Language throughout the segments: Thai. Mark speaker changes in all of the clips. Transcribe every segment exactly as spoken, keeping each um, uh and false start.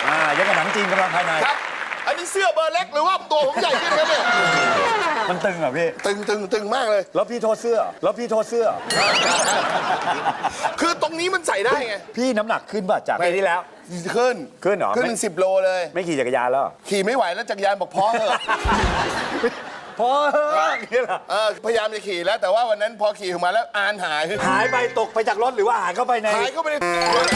Speaker 1: อ่ายังกับหนังจีนกำลังภายใน
Speaker 2: ครับอันนี้เสื้อเบอร์เล็กหรือว่าตัวผมใหญ่ขึ้นครับเนี่ย
Speaker 1: มันตึงเหรอพี่
Speaker 2: ตึงตึงตึงมากเลย
Speaker 1: แล้วพี่โทษเสื้อแล้วพี่โทษเสื้อ
Speaker 2: คือตรงนี้มันใส่ได้ไง
Speaker 1: พี่น้ำหนักขึ้นป่ะจากปีที่แล้ว
Speaker 2: ขึ้น
Speaker 1: ขึ้นเหรอ
Speaker 2: ขึ้นเป็นสิบโลเลย
Speaker 1: ไม่ขี่จักรยานแล้ว
Speaker 2: ขี่ไม่ไหวแล้วจักรยานบอกพอเถอะ
Speaker 1: พอเถอะนี่แหละ
Speaker 2: เออพยายามจะขี่แล้วแต่ว่าวันนั้นพอขี่ออกมาแล้วอานหาย
Speaker 1: หายไปตกไปจากรถหรือว่าหายเข้าไปใน
Speaker 2: หายเข้าไปใน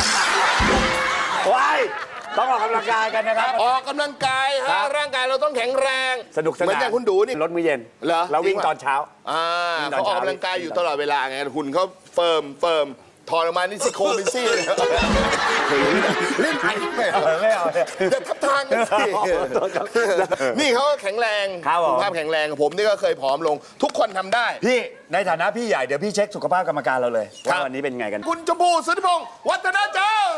Speaker 1: ว้ายต้องออกกำลังกายกันนะครับ
Speaker 2: ออกกำลังกายฮะร่างกายเราต้องแข็งแรง
Speaker 1: สนุกสนาน
Speaker 2: เหมือนอย่างคุณดูนี่
Speaker 1: รถมื้อเย็น
Speaker 2: เหรอ
Speaker 1: แล้ววิ่งตอนเช้า
Speaker 2: อ่าเขาออกกำลังกายอยู่ตลอดเวลาไงหุ่นเขาเฟิร์มเฟิร์มถอดออกมานี่ซี่โครงเป็นซี่เลยเล่นไอ้ไม่เอา
Speaker 1: ไม่เอา
Speaker 2: จะทับทางกันสินี่เขาแข็งแรงสุขภาพแข็งแรงผมนี่ก็เคยผอมลงทุกคนทำได้
Speaker 1: พี่ในฐานะพี่ใหญ่เดี๋ยวพี่เช็คสุขภาพกรรมการเราเลยว่าวันนี้เป็นไงกัน
Speaker 2: คุณชมพูสุทธิพงศ์วัฒนาจัง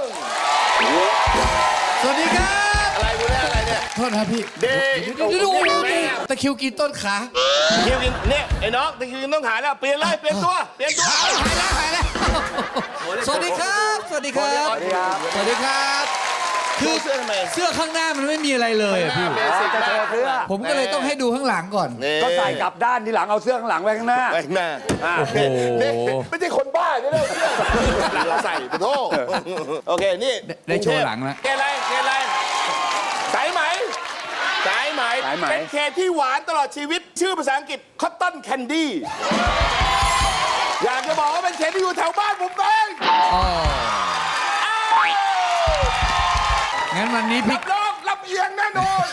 Speaker 3: สวัสดีครับ
Speaker 2: อะไรคุณเนี่ยอะไรเนี่ย
Speaker 3: โทษนะพี่
Speaker 2: เด็ก
Speaker 3: ดูดูดูตะคิวกินต้นขา
Speaker 2: ตะคิวกินเนี่ยไอ้น้องตะคิวกินต้องหายแล้วเปลี่ยนเลยเปลี่ยนตัวเปลี่ยนตัว
Speaker 3: หายแล้วหายแล้วสวัสดีครับสวัสดีครับสวัสดีครับ
Speaker 2: คือเสื้อทำไม
Speaker 3: เสื้อข้างหน้ามันไม่มีอะไรเลยพี่
Speaker 1: จะโชว์เสื้อ
Speaker 3: ผมก็เลยต้องให้ดูข้างหลังก่อน
Speaker 1: ก็ใส่กลับด้านทีหลังเอาเสื้อข้างหลังไว้ข้างหน้า
Speaker 2: ไว้ข้างหน้า
Speaker 3: โอ้โห
Speaker 2: ไม่ใช่คนบ้าเนี่ยเสื้อเราใส่ปะโถโอเคนี่
Speaker 3: ได้โชว์หลังแล้ว
Speaker 2: เกอะไรเกอะไรสายไหมสายไหมเป็นเคที่หวานตลอดชีวิตชื่อภาษาอังกฤษ Cotton Candy อยากจะบอกว่าเป็นเคที่อยู่แถวบ้านผมเอง
Speaker 3: งั้นวันนี้พี่
Speaker 2: รับรองรับเอียงแน่นอน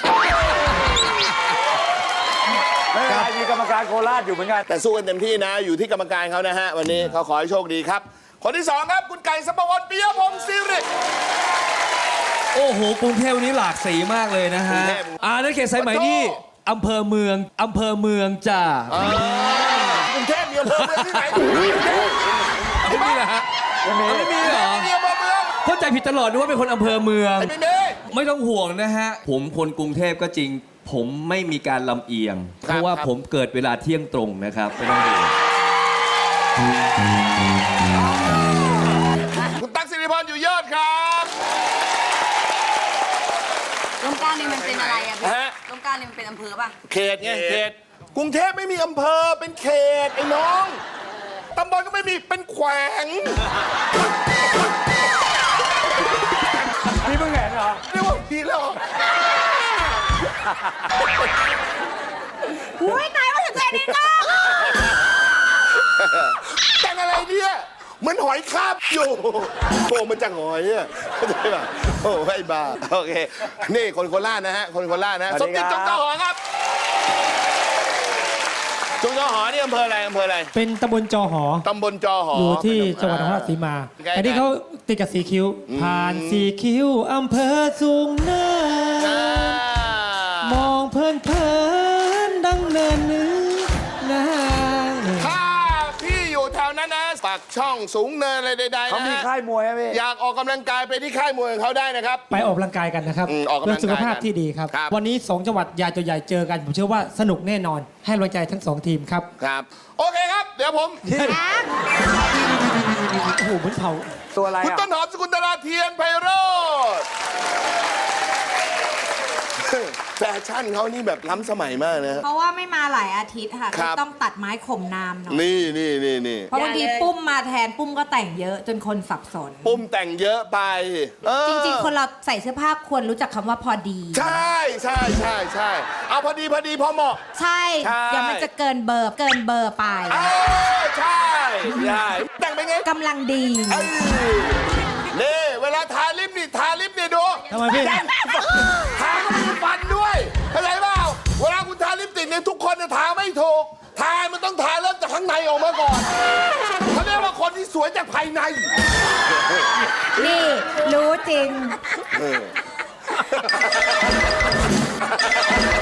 Speaker 1: ไม่เป็นไรมีกรรมการโคราชอยู่เหมือนกัน
Speaker 2: แต่สู้กันเต็มที่นะอยู่ที่กรรมการเขานะฮะวันนี้เขาขอให้โชคดีครับคนที่สองครับคุณไก่สัปวรปิยพงศ์ศิริ
Speaker 4: โอ้โหกรุงเทพวันนี้หลากสีมากเลยนะฮะอ่านั่นเขตสายไหมนี่อำเภอเมืองอำเภอเมืองจ้าก
Speaker 2: รุงเทพมีอำเภอเมืองที่ไหน
Speaker 4: ไม่มีเหรอฮะไม่มีเหรอเข้าใจผิดตลอดนึกว่าเป็นคนอำเภอเมืองไม่ต้องห่วงนะฮะผมคนกรุงเทพก็จริงผมไม่มีการลำเอียงเพราะว่าผมเกิดเวลาเที่ยงตรงนะครับไม่ต้องห่วง
Speaker 2: คุณตั๊กสิริพรอยู่ยอดครับ
Speaker 5: ลมเกล้านี่มันเป็นอะไรอะพี่ลมเกล้านี่มันเป็นอำเภอป่ะ
Speaker 2: เขตไงเขตกรุงเทพไม่มีอำเภอเป็นเขตไอ้น้องตำบลก็ไม่มีเป็นแขวง
Speaker 1: พี่เพิ่งเห็นเหรอ
Speaker 2: เรียกว่าพี่แล้ว
Speaker 5: อุ้ยตายว่าถึงใจนี่ก็
Speaker 2: แต่งอะไรเนี่ยเหมือนหอยคาบอยู่โผล่มาจากหอยอ่ะเข้าใจป่ะโอ้ไอ้บ้าโอเคนี่คนโคราชนะฮะคนโคราชนะสมจิตจงเจ้าหอครับจงเจ้าหอนี่อำเภออะไรอำเภออะไร
Speaker 6: เป็นตำบลจอหอ
Speaker 2: ตำบลจอหอ
Speaker 6: อยู่ที่จังหวัดนครราชสีมาอันนี้เขาติดกับสีคิ้วผ่านสีคิ้วอำเภอสูงเนินมองเพลินเพลินดังเนินนึกนะ
Speaker 2: ถ้าพี่อยู่แถวนั้นนะปากช่องสูงเนินอะไรใดๆ
Speaker 1: เขามีค่ายมวยไหมพี่
Speaker 2: อยากออกกำลังกายไปที่ค่ายมวยของเขาได้นะครับ
Speaker 6: ไปออกกำลังกายกันนะครับ
Speaker 2: เพื่อ
Speaker 6: สุขภาพที่ดีครับวันนี้สองจังหวัดใหญ่ตัวใหญ่เจอกันผมเชื่อว่าสนุกแน่นอนให้กำลังใจทั้งสองทีมครับ
Speaker 2: ครับโอเคครับเดี๋ยวผม
Speaker 6: โอ้โหเหมือนเผา
Speaker 1: ตัวอะไร
Speaker 2: คุณต้นหอมสกุลตลาเทียนไพโรจน์แฟชั่นเขานี่แบบล้ำสมัยมากนะ
Speaker 5: เพราะว่าไม่มาหลายอาทิตย์ค่ะต้องตัดไม้ข่มนามหน่อย
Speaker 2: นี่นี่นี่นี่
Speaker 5: เพราะบางทีปุ้มมาแทนปุ้มก็แต่งเยอะจนคนสับสน
Speaker 2: ปุ้มแต่งเยอะไป
Speaker 5: จริงๆคนเราใส่เสื้อผ้าควรรู้จักคำว่าพอดี
Speaker 2: ใช่ใช่ใช่ใช่เอาพอดีพอดีพอเหมาะ
Speaker 5: ใช่เดี๋ยวมันจะเกินเบอร์เกินเบอร์ไป
Speaker 2: ใช่ใช่แต่งเป็นไง
Speaker 5: กำลังดี
Speaker 2: นี่เวลาทาลิปนี่ทาลิปนี่ดู
Speaker 6: ทำไมพี่
Speaker 2: ทาก็มีฟันด้วยเข้าใจเปล่าเวลาคุณทาลิปสติกเนี่ยทุกคนจะทาไม่ถูกทามันต้องทาเริ่มจากข้างในออกมาก่อนเขาเรียกว่าคนที่สวยจากภายใน
Speaker 5: นี่รู้จริง